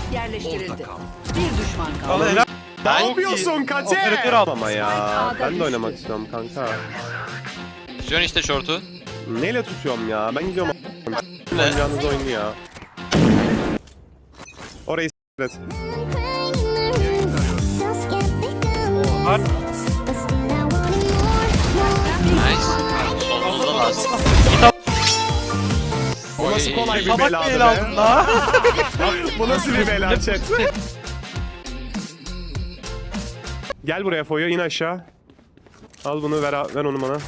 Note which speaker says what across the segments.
Speaker 1: yerleştirildi. Bir düşman kaldı.
Speaker 2: Helal.
Speaker 3: Ne yapıyorsun Kate?
Speaker 2: Operatör al.
Speaker 3: Ama ya ben de oynamak istiyorum kanka.
Speaker 4: Tutuyorsun işte şortu.
Speaker 3: Neyle tutuyorum ya? Ben gidiyorum
Speaker 4: Ne?
Speaker 3: oynayacağınız oyunu ya. Orayı s**t.
Speaker 2: Var.
Speaker 4: Nice. Solumuzda lazım.
Speaker 3: Bu nasıl kolay bir
Speaker 2: Tabak
Speaker 3: bela
Speaker 2: el
Speaker 3: be?
Speaker 2: aldın la.
Speaker 3: Bu nasıl bir bela chat? Gel buraya Foyo, in aşağı. Al bunu, ver onu bana.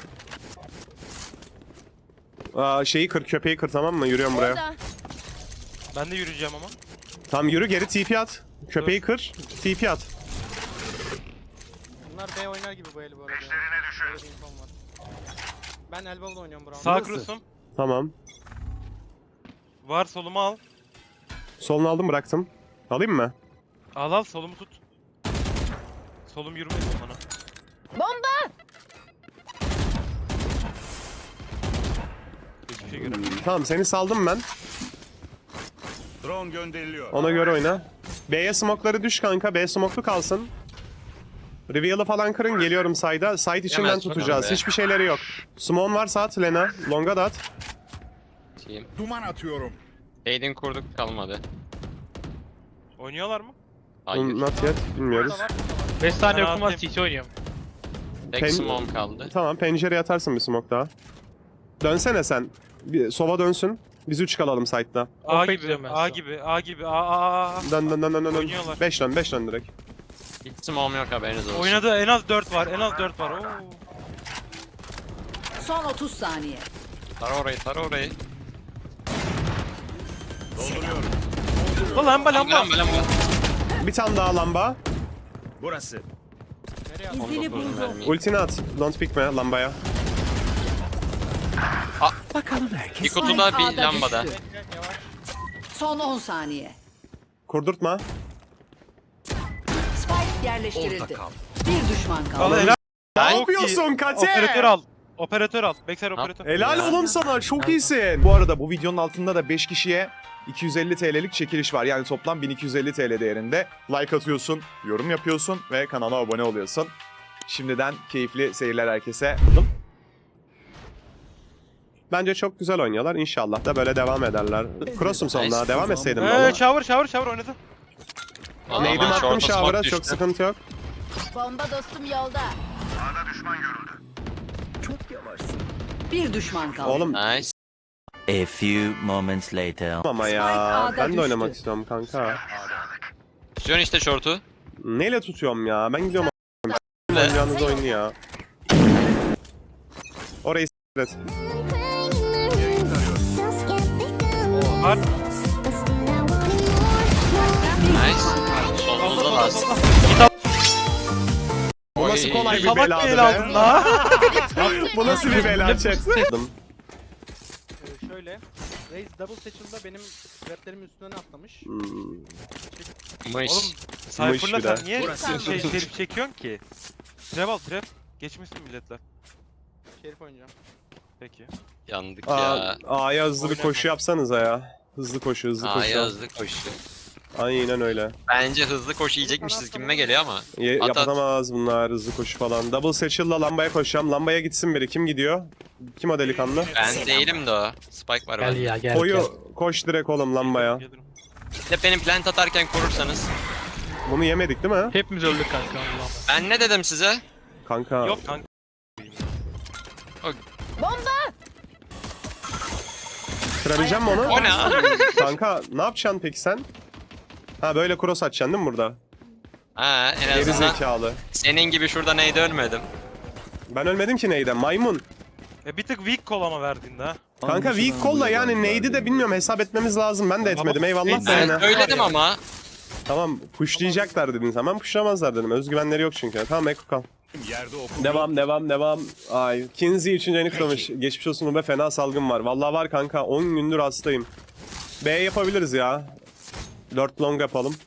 Speaker 3: Şeyi kır, köpeği kır, tamam mı? Yürüyorum buraya.
Speaker 2: Ben de yürüyeceğim ama.
Speaker 3: Tamam yürü, geri TP at. Köpeği kır, TP at.
Speaker 5: Bunlar B oynar gibi bu eli bu arada. Üzerine düşün. Ben elbow'da oynuyorum Brown.
Speaker 2: Sağ cross'um.
Speaker 3: Tamam.
Speaker 2: Var, solumu al.
Speaker 3: Solunu aldım, bıraktım. Alayım mı?
Speaker 2: Al solumu tut. Solum yürümedi bana. Hiçbir şey göremiyorum.
Speaker 3: Tamam, seni saldım ben.
Speaker 6: Drone gönderiliyor.
Speaker 3: Ona göre oyna. B'ye smoke'ları düş kanka. B smoke'lu kalsın. Reveal'ı falan kırın. Geliyorum side'a. Side içinden
Speaker 4: Yemez
Speaker 3: tutacağız.
Speaker 4: bakalım be.
Speaker 3: Hiçbir şeyleri yok. Smoke'un varsa at Lena. Long'a da at.
Speaker 4: Team.
Speaker 6: Duman atıyorum.
Speaker 4: Aid'in kurduk kalmadı.
Speaker 2: Oynuyorlar mı?
Speaker 4: Hayır.
Speaker 3: Not yet. Bilmiyoruz.
Speaker 7: 5 saniye
Speaker 2: Ben
Speaker 7: yokum var,
Speaker 2: atayım.
Speaker 7: CT oynuyorum.
Speaker 4: Tek smoke kaldı.
Speaker 3: Tamam, pencereye atarsın bir smoke daha. Dönsene sen. Bir, sova dönsün. Biz 3 kalalım side'da.
Speaker 2: A
Speaker 7: Off'e
Speaker 2: gibi,
Speaker 7: gidiyorum ben
Speaker 2: A
Speaker 7: sonra.
Speaker 2: gibi, A gibi, A.
Speaker 3: Dön.
Speaker 2: Oynuyorlar.
Speaker 3: 5 dön direkt.
Speaker 4: Hiç smoke'um yok, haberiniz olsun.
Speaker 2: Oynadı, en az 4 var, en az 4 var. Oo.
Speaker 1: Son 30 saniye.
Speaker 4: Tara orayı.
Speaker 2: Lan lamba.
Speaker 4: Lamba.
Speaker 3: Bir tane daha lamba.
Speaker 6: Burası.
Speaker 1: İzini buldum.
Speaker 3: Ultini at. Don't pick me lambaya.
Speaker 4: Bir kutuda
Speaker 1: Spike
Speaker 4: bir
Speaker 1: A'da
Speaker 4: lambada.
Speaker 1: düştü. Son 10 saniye.
Speaker 3: Kurdurtma.
Speaker 1: Spike yerleştirildi. Bir düşman
Speaker 2: Al
Speaker 1: kaldı.
Speaker 2: helal.
Speaker 3: Ne
Speaker 2: Çok
Speaker 3: yapıyorsun
Speaker 2: iyi.
Speaker 3: Kate?
Speaker 2: Operatör al. Backside operatör.
Speaker 3: Helal
Speaker 4: Ya.
Speaker 3: oğlum sana. Çok iyisin.
Speaker 8: Bu arada bu videonun altında da 5 kişiye 250 TL'lik çekiliş var. Yani toplam 1250 TL değerinde. Like atıyorsun, yorum yapıyorsun ve kanala abone oluyorsun. Şimdiden keyifli seyirler herkese.
Speaker 3: Bence çok güzel oynuyorlar. İnşallah da böyle devam ederler. Cross'um sonuna.
Speaker 4: Nice.
Speaker 3: Devam etseydim valla.
Speaker 2: Shower oynadı.
Speaker 3: Neydim attım
Speaker 4: Short'a
Speaker 3: shower'a.
Speaker 4: smoke
Speaker 3: Çok
Speaker 4: düştü.
Speaker 3: sıkıntı yok.
Speaker 1: Bomba dostum yolda. Bir düşman kaldı.
Speaker 3: Oğlum
Speaker 4: Nice.
Speaker 9: A few moments later.
Speaker 3: ama
Speaker 1: Spike
Speaker 3: ya.
Speaker 1: A'da
Speaker 3: Ben de
Speaker 1: düştü.
Speaker 3: oynamak istiyorum kanka.
Speaker 4: Tutuyorsun işte şortu.
Speaker 3: Neyle tutuyorum ya? Ben gidiyorum
Speaker 4: Ne?
Speaker 3: oynayacağınız oyunu ya. Orayı s**t.
Speaker 2: Var.
Speaker 4: Nice. Solumuzda lazım.
Speaker 3: Bu nasıl kolay bir
Speaker 2: Tabak
Speaker 3: bela
Speaker 2: el
Speaker 3: be?
Speaker 2: aldın la.
Speaker 3: Bu nasıl bir bela chat?
Speaker 5: Şöyle. Raze double seçilde benim raplerimin üstüne atlamış.
Speaker 4: Mış.
Speaker 2: Oğlum Cypher'la
Speaker 3: bir de.
Speaker 2: sen niye şerif çekiyorsun ki? Trap. Geçmişsin milletler.
Speaker 5: Şerif oynayacağım.
Speaker 2: Peki.
Speaker 4: Yandık ya.
Speaker 3: A'ya hızlı bir
Speaker 2: Oynama.
Speaker 3: koşu yapsanıza ya. Hızlı koşu.
Speaker 4: A'ya hızlı koşu.
Speaker 3: Aynen öyle.
Speaker 4: Bence hızlı koşu yiyecekmişiz gibime geliyor ama. At, at.
Speaker 3: Yapamaz bunlar hızlı koşu falan. Double satchel'la lambaya koşacağım. Lambaya gitsin biri. Kim gidiyor? Kim o delikanlı?
Speaker 4: Ben değilim de o. Spike var
Speaker 7: Gel
Speaker 4: bende.
Speaker 7: ya gel.
Speaker 3: Koyu koş direkt oğlum lambaya.
Speaker 2: Gelirim.
Speaker 4: Bir de benim plant atarken korursanız.
Speaker 3: Bunu yemedik değil mi?
Speaker 7: Hepimiz öldük kanka. Allah'ım.
Speaker 4: Ben ne dedim size?
Speaker 3: Kanka.
Speaker 2: Yok kanka.
Speaker 3: Kırabileceğim mi onu?
Speaker 4: O ne?
Speaker 3: Kanka ne yapacaksın peki sen? Ha böyle cross atacaksın değil mi burada?
Speaker 4: Ha, en
Speaker 3: Geri
Speaker 4: azından
Speaker 3: zekalı.
Speaker 4: senin gibi şurada neydi ölmedim.
Speaker 3: Ben ölmedim ki neyden? Maymun.
Speaker 2: Bir tık weak call ama verdiğinde ha.
Speaker 3: Kanka weak call'la yani neydi de bilmiyorum, hesap etmemiz lazım. Ben de etmedim. Eyvallah da
Speaker 4: Ben
Speaker 3: yine.
Speaker 4: söyledim ama.
Speaker 3: Tamam pushlayacaklar dedin sen. Ben pushlamazlar dedim. Özgüvenleri yok çünkü. Tamam Eko kal.
Speaker 6: Yerde oku.
Speaker 3: Devam. Ay. Kinsey 3. ayını kutlamış. Geçmiş olsun be, fena salgın var. Vallahi var kanka. 10 gündür hastayım. B yapabiliriz ya. 4 long yapalım.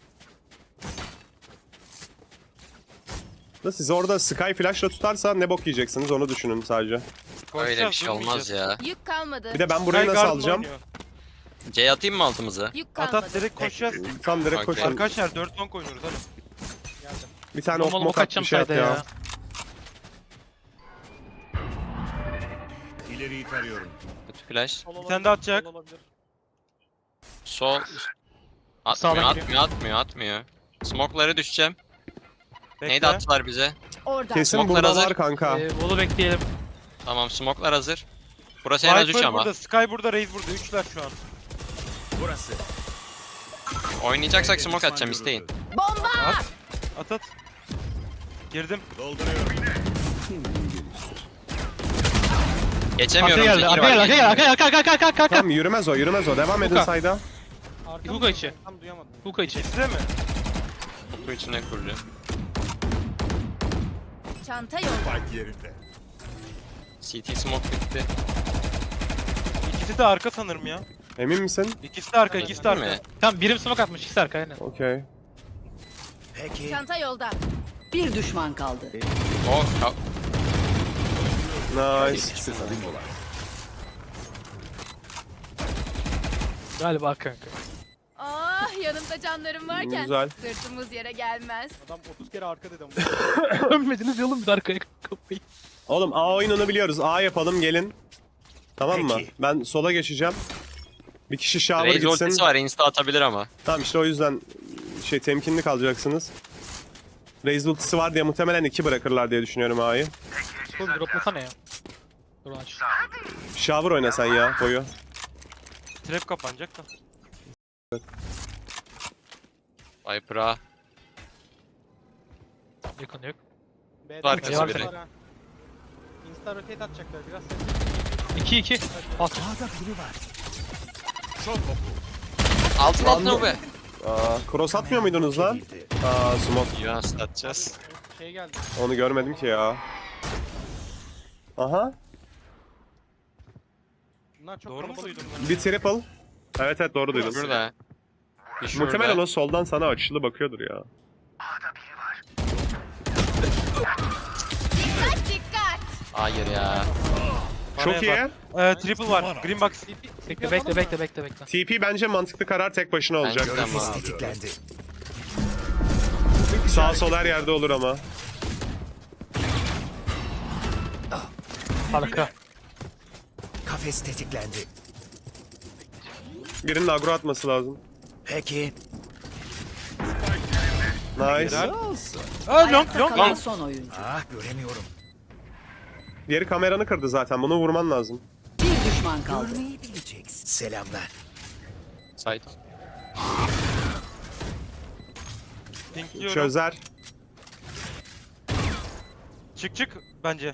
Speaker 3: Da siz orada Sky flash'la tutarsa ne bok yiyeceksiniz onu düşünün sadece.
Speaker 4: Öyle bir
Speaker 2: Koşacağız,
Speaker 4: şey olmaz
Speaker 2: durmayacağız.
Speaker 4: ya.
Speaker 1: Yük kalmadı.
Speaker 3: Bir de ben burayı
Speaker 2: Sky
Speaker 3: nasıl
Speaker 2: Garden
Speaker 3: alacağım?
Speaker 2: oynuyor.
Speaker 4: C atayım mı altımıza?
Speaker 1: Yük
Speaker 2: At
Speaker 1: kalmadı.
Speaker 2: at direkt koşacağız.
Speaker 3: Tam direkt
Speaker 4: Okey.
Speaker 3: koşun.
Speaker 2: Arkadaşlar 4 long oynuyoruz hadi.
Speaker 5: Geldim.
Speaker 3: Bir tane
Speaker 7: Normal
Speaker 3: ok mok
Speaker 7: ok
Speaker 3: at
Speaker 7: atacağım
Speaker 3: bir şey at
Speaker 7: sayda
Speaker 3: ya.
Speaker 7: ya.
Speaker 6: İleriyi tarıyorum.
Speaker 4: Kötü flash.
Speaker 5: Sol
Speaker 2: Bir
Speaker 5: olabilir,
Speaker 2: tane daha atacak.
Speaker 5: sol olabilir.
Speaker 4: Sol.
Speaker 7: Sağdan
Speaker 4: Atmıyor. Smoke'lara düşeceğim.
Speaker 2: Bekle.
Speaker 4: Neydi attılar bize?
Speaker 1: Orada.
Speaker 3: Kesin
Speaker 4: Smoke'lar
Speaker 3: burada var
Speaker 4: hazır.
Speaker 3: kanka.
Speaker 7: Bolu bekleyelim.
Speaker 4: Tamam smoke'lar hazır. Burası en az 3
Speaker 2: Viper
Speaker 4: ama.
Speaker 2: burada, Sky burada, Raze burada. 3'ler şu an.
Speaker 6: Burası.
Speaker 4: Oynayacaksak smoke
Speaker 6: Düşman
Speaker 4: atacağım
Speaker 6: görüldü.
Speaker 4: isteyin.
Speaker 1: Bomba.
Speaker 2: At at. Girdim.
Speaker 6: Dolduruyorum.
Speaker 4: Geçemiyorum.
Speaker 7: Arkaya geldi.
Speaker 4: Zekir
Speaker 7: Arkaya
Speaker 4: var.
Speaker 7: geldi. Arka.
Speaker 3: Tamam yürümez o yürümez o. Devam edin
Speaker 7: Hook'a.
Speaker 3: sayda.
Speaker 5: Arkamı
Speaker 7: Hook'a içi.
Speaker 5: tam duyamadım.
Speaker 7: Hook'a içi.
Speaker 2: Size mi?
Speaker 4: Kutu içine kuruluyor.
Speaker 1: Çanta yolda.
Speaker 6: Spike yerinde.
Speaker 4: CT smoke bitti.
Speaker 2: İkisi de arka sanırım ya.
Speaker 3: Emin misin?
Speaker 2: İkisi de arka, ikisi de
Speaker 4: Değil
Speaker 2: arka.
Speaker 4: mi?
Speaker 7: Tamam birim smoke atmış. İkisi arka aynen.
Speaker 3: Okey.
Speaker 1: Çanta yolda. Bir düşman kaldı.
Speaker 4: O
Speaker 3: Nice.
Speaker 7: Galiba kanka.
Speaker 1: Ah yanımda canlarım varken
Speaker 3: Güzel.
Speaker 1: sırtımız yere gelmez.
Speaker 5: Adam 30 kere arka dedi ama.
Speaker 7: Dönmediniz yolun bir de arkaya kapıyı.
Speaker 3: Oğlum A oyununu biliyoruz. A yapalım gelin. Tamam mı?
Speaker 6: Peki.
Speaker 3: Ben sola geçeceğim. Bir kişi shower
Speaker 4: Raze
Speaker 3: gitsin.
Speaker 4: ultisi var. Insta atabilir ama.
Speaker 3: Tamam işte o yüzden temkinli kalacaksınız. Raze ultisi var diye muhtemelen 2 bırakırlar diye düşünüyorum A'yı.
Speaker 7: Oğlum droplasana ya. Dur aç.
Speaker 3: Shower oyna sen ya boyu.
Speaker 2: Trap kapanacak da.
Speaker 4: Viper'a.
Speaker 7: Yakın yok.
Speaker 5: B'de
Speaker 4: Arkası
Speaker 5: var
Speaker 7: biri.
Speaker 5: ha. Insta rotate atacaklar biraz ses.
Speaker 7: 2-2. At.
Speaker 6: Çok oku.
Speaker 4: Altın be.
Speaker 3: Aa, cross atmıyor muydunuz lan? Aa smoke.
Speaker 4: Yunus atacağız.
Speaker 5: Şey geldi.
Speaker 3: Onu görmedim ki ya. Aha.
Speaker 5: Bunlar çok
Speaker 2: Doğru mu
Speaker 5: kalabalık.
Speaker 2: duydum ben?
Speaker 3: Bir triple. Evet evet doğru duydun.
Speaker 4: Şurada. Bir şurada.
Speaker 3: Muhtemelen o soldan sana açılı bakıyordur ya.
Speaker 4: Hayır ya.
Speaker 3: Çok iyi.
Speaker 2: Triple var. Green box.
Speaker 7: Bekle.
Speaker 3: TP bence mantıklı karar tek başına olacak.
Speaker 4: Bence de ama.
Speaker 3: Sağ sol her yerde olur ama.
Speaker 7: Arka.
Speaker 10: Kafes tetiklendi.
Speaker 3: Birinin agro atması lazım.
Speaker 10: Peki.
Speaker 3: Nice.
Speaker 2: Aa long
Speaker 1: Ayakta
Speaker 2: long
Speaker 1: kalan
Speaker 2: long.
Speaker 1: son oyuncu.
Speaker 10: Ah göremiyorum.
Speaker 3: Diğeri kameranı kırdı zaten. Bunu vurman lazım.
Speaker 1: Bir düşman kaldı.
Speaker 10: Görmeyi bileceksin. Selamlar.
Speaker 4: Site.
Speaker 2: Pinkliyorum.
Speaker 3: Çözer.
Speaker 2: Çık bence.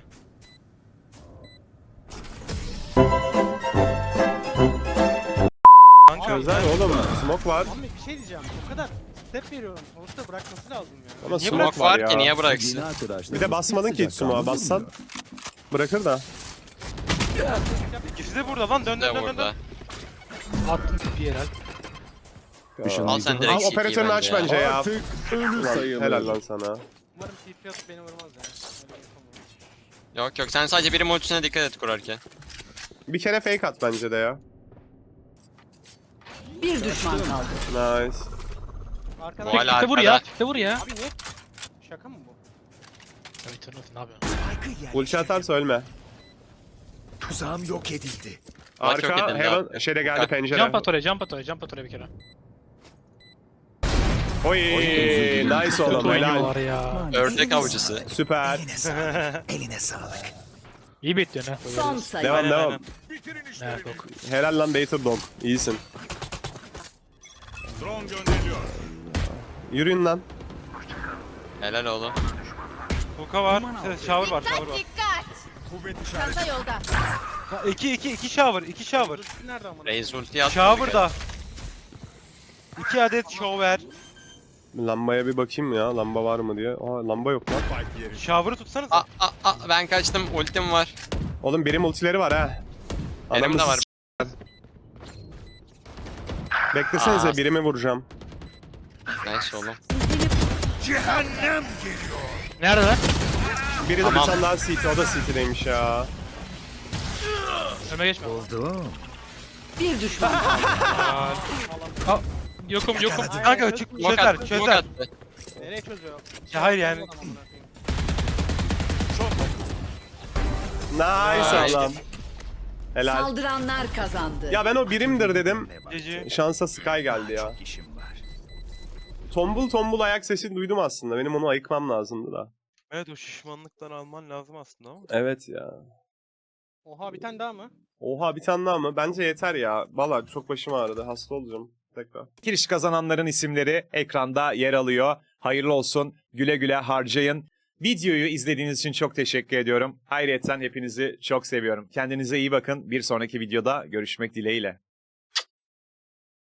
Speaker 2: Kanka
Speaker 3: Çözer oğlum. Smoke var.
Speaker 5: Abi bir şey diyeceğim. O kadar step veriyorum. Sonuçta bırakması lazım ya.
Speaker 3: Ama
Speaker 4: Niye
Speaker 3: smoke
Speaker 4: bırak
Speaker 3: var
Speaker 4: var ki
Speaker 3: ya.
Speaker 4: niye bıraksın?
Speaker 3: Bir de basmadın ki hiç smoke'a. Bassan bırakır da.
Speaker 2: ikisi de burada lan dön
Speaker 4: De
Speaker 2: dön dön
Speaker 4: burada.
Speaker 2: dön.
Speaker 7: Attım tipi yerel.
Speaker 4: Al sen
Speaker 3: Al
Speaker 4: direkt CT'yi
Speaker 3: operatörünü aç bence ya. Ulan, helal lan sana.
Speaker 5: Umarım TP atıp beni vurmaz ya. Öyle yapamam.
Speaker 4: Yok sen sadece birim ultisine dikkat et kurarken.
Speaker 3: Bir kere fake at bence de ya.
Speaker 1: Bir düşman kaldı.
Speaker 3: Nice.
Speaker 5: Arkadan...
Speaker 4: Bu hala
Speaker 7: Tipe vur
Speaker 4: arkada.
Speaker 7: ya. Tipe vur ya.
Speaker 5: Abi niye? Şaka mı bu?
Speaker 7: Evet ne yapıyorsun?
Speaker 3: Ulti atarsa ölme.
Speaker 10: Tuzağım yok edildi.
Speaker 4: Bak yok
Speaker 3: Arka
Speaker 4: edildi
Speaker 3: hemen
Speaker 4: abi.
Speaker 3: şeyde geldi
Speaker 4: Bak.
Speaker 3: pencere.
Speaker 7: Jump at oraya bir kere.
Speaker 3: Oy nice oğlum
Speaker 7: Kötü
Speaker 3: helal.
Speaker 7: oynuyorlar ya.
Speaker 4: Ördek avcısı.
Speaker 3: Süper.
Speaker 10: Eline sağlık. Eline sağlık.
Speaker 7: İyi bekliyorsun ha.
Speaker 1: Son sayı.
Speaker 3: Devam
Speaker 2: Aynen,
Speaker 3: devam.
Speaker 2: aynen.
Speaker 7: Ne yok.
Speaker 3: Helal lan Bater Dog. İyisin.
Speaker 6: Drone gönderiliyor.
Speaker 3: Yürüyün lan.
Speaker 4: Helal oğlum.
Speaker 2: Hook'a var. Shower var.
Speaker 6: Kuvvet işareti.
Speaker 1: Çanta yolda.
Speaker 2: 2 shower. 2 shower.
Speaker 5: Ulti nerede amına?
Speaker 4: Raze ulti attı.
Speaker 2: Shower'da. 2 adet shower.
Speaker 3: Lambaya bir bakayım ya. Lamba var mı diye. Aa lamba yok lan.
Speaker 6: Spike yerinde.
Speaker 2: Shower'ı tutsanıza.
Speaker 4: Ben kaçtım. Ultim var.
Speaker 3: Oğlum birim ultileri var ha.
Speaker 4: Benim de
Speaker 3: Adamı
Speaker 4: var.
Speaker 3: Beklesenize
Speaker 4: Aa.
Speaker 3: birimi vuracağım.
Speaker 4: Nice oğlum.
Speaker 6: Cehennem geliyor.
Speaker 7: Nerede lan?
Speaker 3: Biri de
Speaker 4: Tamam.
Speaker 3: bir tane daha CT. O da CT'deymiş ya.
Speaker 7: Öme geçme.
Speaker 10: Oldu.
Speaker 1: Bir düşman kaldı.
Speaker 7: Yokum yokum.
Speaker 2: Kanka çık
Speaker 4: Smoke
Speaker 2: çözer
Speaker 4: attı, smoke
Speaker 2: çözer.
Speaker 4: attı.
Speaker 5: Nereye çözüyor?
Speaker 2: Ya hayır yani.
Speaker 5: Adam amına koyayım.
Speaker 3: Nice
Speaker 4: Nice.
Speaker 3: adam. Helal.
Speaker 1: Saldıranlar kazandı.
Speaker 3: Ya ben o birimdir dedim.
Speaker 2: GG.
Speaker 3: Şansa Sky geldi ya.
Speaker 10: Çok işim var.
Speaker 3: Tombul tombul ayak sesini duydum aslında. Benim onu ayıkmam lazımdı da.
Speaker 2: Evet o şişmanlıktan alman lazım aslında ama.
Speaker 3: Evet ya.
Speaker 5: Oha bir tane daha mı?
Speaker 3: Oha bir tane daha mı? Bence yeter ya. Valla çok başım ağrıdı. Hasta olacağım. Tekrar.
Speaker 8: Giriş kazananların isimleri ekranda yer alıyor. Hayırlı olsun. Güle güle harcayın. Videoyu izlediğiniz için çok teşekkür ediyorum. Ayrıyeten hepinizi çok seviyorum. Kendinize iyi bakın. Bir sonraki videoda görüşmek dileğiyle.